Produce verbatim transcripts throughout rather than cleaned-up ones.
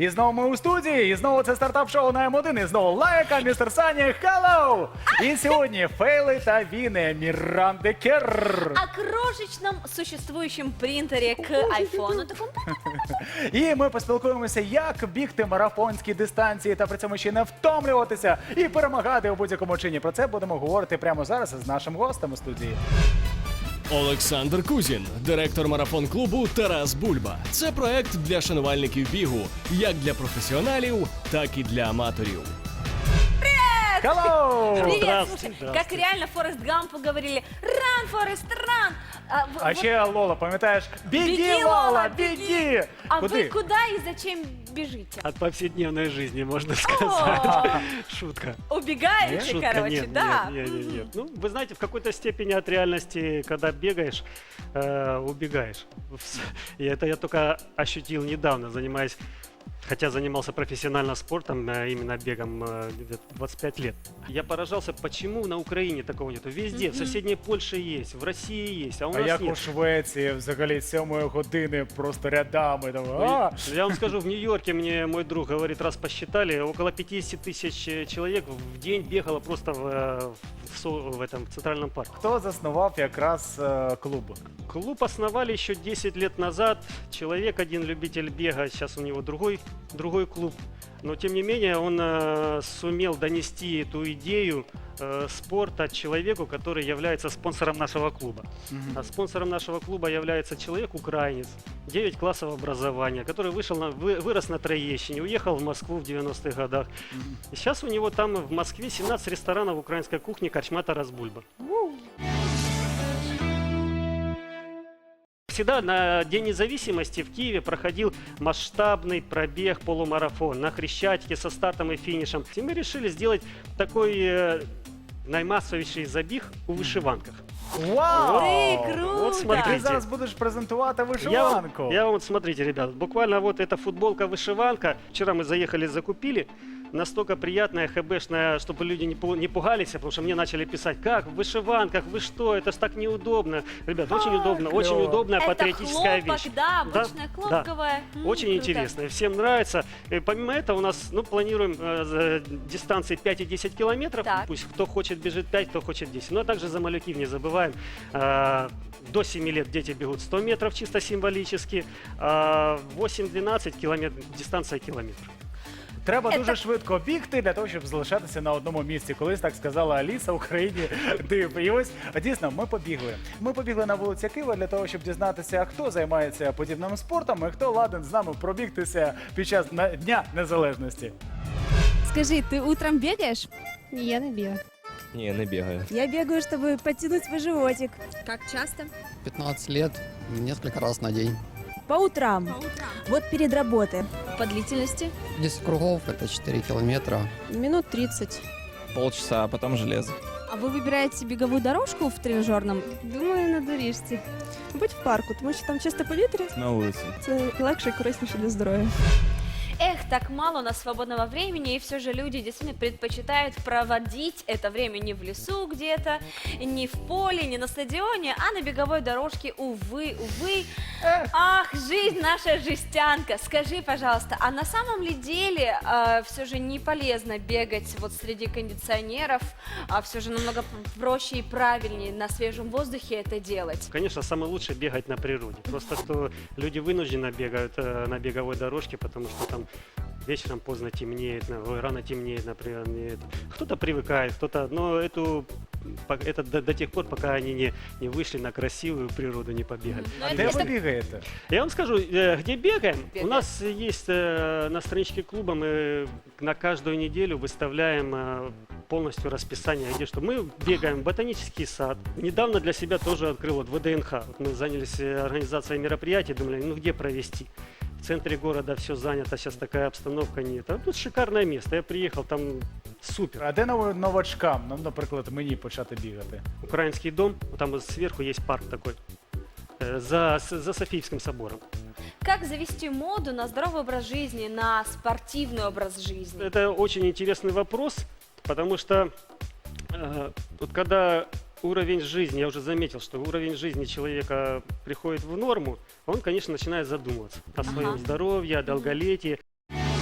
І знову ми у студії, і знову це стартап-шоу на М один, і знову лайка, містер Сані, hello! І сьогодні фейли та віни Міранди Керр. О крошечном существующем принтере к айфону. Таком... І ми поспілкуємося, як бігти марафонські дистанції та при цьому ще не втомлюватися і перемагати у будь-якому чині. Про це будемо говорити прямо зараз з нашим гостем у студії. Олександр Кузін, директор марафон-клубу «Тарас Бульба». Це проект для шанувальників бігу, як для професіоналів, так і для аматорів. Hello! Привет, слушай, как реально Форест Гампу говорили, run, Форест, run! А, в- А вот ще Лола, пам'ятаєш? Біги, беги, Лола, біги! А Куди? вы куда и зачем бежите? От повседневной жизни, можно сказать. О, Шутка. убегаете, Шутка, короче, нет, да? нет, нет, нет, нет. Ну, вы знаете, в какой-то степени от реальности, когда бегаешь, э, убегаешь. И это я только ощутил недавно, занимаясь, хотя занимался профессионально спортом, э, именно бегом, э, где-то двадцать пять лет. Я поражался, почему на Украине такого нету. Везде, в соседней Польше есть, в России есть, а у А нас як у нет. Швеції взагалі сьомої години просто рядами там. Ну, А! Я вам скажу, в Нью-Йорке мне мой друг говорит, раз посчитали, около пятьдесят тысяч э, человек в день бегало просто в, э, в, со- в этом в Центральном парке. Хто заснував якраз е, клуб? Клуб основали еще десять лет назад. Человек, один любитель бега, сейчас у него другой, другой клуб. Но тем не менее он э, сумел донести эту идею э, спорта человеку, который является спонсором нашего клуба. А спонсором нашего клуба является человек-украинец, девять классов образования, который вышел на, вы- вырос на Троещине, уехал в Москву в девяностых годах. И сейчас у него там в Москве семнадцать ресторанов украинской кухни «Корчма Тарас Бульба». Всегда на День независимости в Киеве проходил масштабный пробег полумарафон на Хрещатике со стартом и финишем. И мы решили сделать такой э, наймасовейший забіг у вишиванках. Вау! Ты круто! Вот смотри. Ти зараз будеш презентувати Я вам, вишиванку. я вам вот, смотрите, ребят, буквально вот эта футболка-вышиванка. Вчера мы заехали, закупили. Настолько приятная, хэбэшная, чтобы люди не, пу- не пугались, потому что мне начали писать, как в вышиванках, вы что, это ж так неудобно. Ребят, очень А, удобно, клёво. очень удобная Это патриотическая хлопок, вещь. да, Да, обычная да. хлопковая. М, Очень круто. интересно, всем нравится. И помимо этого у нас, ну, планируем э, за дистанции пять и десять километров. Так. Пусть кто хочет бежит пять, кто хочет десять. Ну, а также за малюків не забываем. Э, до семи лет дети бегут сто метров чисто символически. А восемь-двенадцать километров, дистанция километр. Треба Це- дуже швидко бігти для того, щоб залишатися на одному місці. Колись так сказала Аліса, Україні див. І ось дійсно ми побігли. Ми побігли на вулиці Києва для того, щоб дізнатися, хто займається подібним спортом і хто ладен з нами пробігтися під час на- Дня Незалежності. Скажи, ты утром бегаешь? Ні, я не бігаю. Ні, не бігаю. Я бегаю, чтобы подтянуть свой животик. Как часто? пятнадцать лет, несколько раз на день. По утрам. Вот перед работой. По длительности? десять кругов – это четыре километра. Минут тридцать. Полчаса, а потом железо. А вы выбираете беговую дорожку в тренажерном? Думаю, надуришся. Будь в парку, тому що там чисто повітря. На улице. Це легше і корисніше для здоров'я. Эх, так мало у нас свободного времени, и все же люди действительно предпочитают проводить это время не в лесу где-то, не в поле, не на стадионе, а на беговой дорожке, увы, увы. Ах, жизнь наша жестянка. Скажи, пожалуйста, а на самом ли деле все же не полезно бегать вот среди кондиционеров, а все же намного проще и правильнее на свежем воздухе это делать? Конечно, самое лучшее бегать на природе. Просто что люди вынужденно бегают э, на беговой дорожке, потому что там вечером поздно темнеет, на- ой, рано темнеет, например. не- Кто-то привыкает, кто-то, но эту, по- это до, до тех пор, пока они не, не вышли на красивую природу, не побегали. Ну, А это де если- ви бігаєте? Я вам скажу, э, где бегаем. Бегаем. У нас есть э, на страничке клуба, мы на каждую неделю выставляем э, полностью расписание, где что мы бегаем в ботанический сад. Недавно для себя тоже открыл вот вэ дэ эн ха. Вот мы занялись э, организацией мероприятий, думали, ну где провести. В центре города все занято, сейчас такая обстановка нет. А тут шикарное место. Я приехал, там супер. А де нов- новачкам, ну, наприклад, мені почати бігати? Украинский дом, вот там вот сверху есть парк такой, э, за, с- за Софийским собором. Как завести моду на здоровый образ жизни, на спортивный образ жизни? Это очень интересный вопрос, потому что э, вот когда уровень жизни, я уже заметил, что уровень жизни человека приходит в норму, он, конечно, начинает задумываться о своем Ага. здоровье, о долголетии.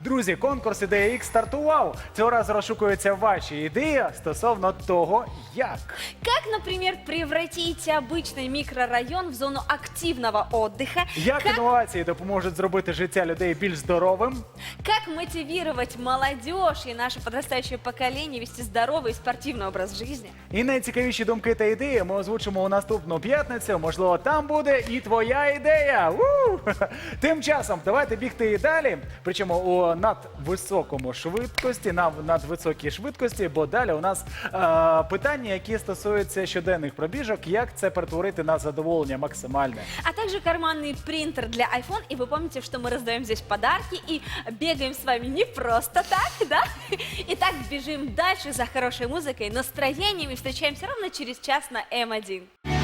Друзі, конкурс «Ідея Ікс» стартував. Цього разу розшукуються ваші ідеї стосовно того, як. Как, например, превратить обычный микрорайон в зону активного отдыха? Як інновації допоможуть зробити життя людей більш здоровим? Как мотивировать молодежь и наше подрастающее поколение вести здоровый и спортивный образ жизни? І найцікавіші думки та ідеї ми озвучимо у наступну п'ятницю. Можливо, там буде і твоя ідея. У! Тим часом давайте бігти і далі. Причому у надвисокому швидкості, на надвисокій швидкості, бо далі у нас е, питання, які стосуються щоденних пробіжок, як це перетворити на задоволення максимальне. А также карманный принтер для iPhone. И вы помните, что мы раздаем здесь подарки и бегаем с вами не просто так, да? Итак, бежим дальше за хорошей музыкой, настроением и встречаемся ровно через час на эм один.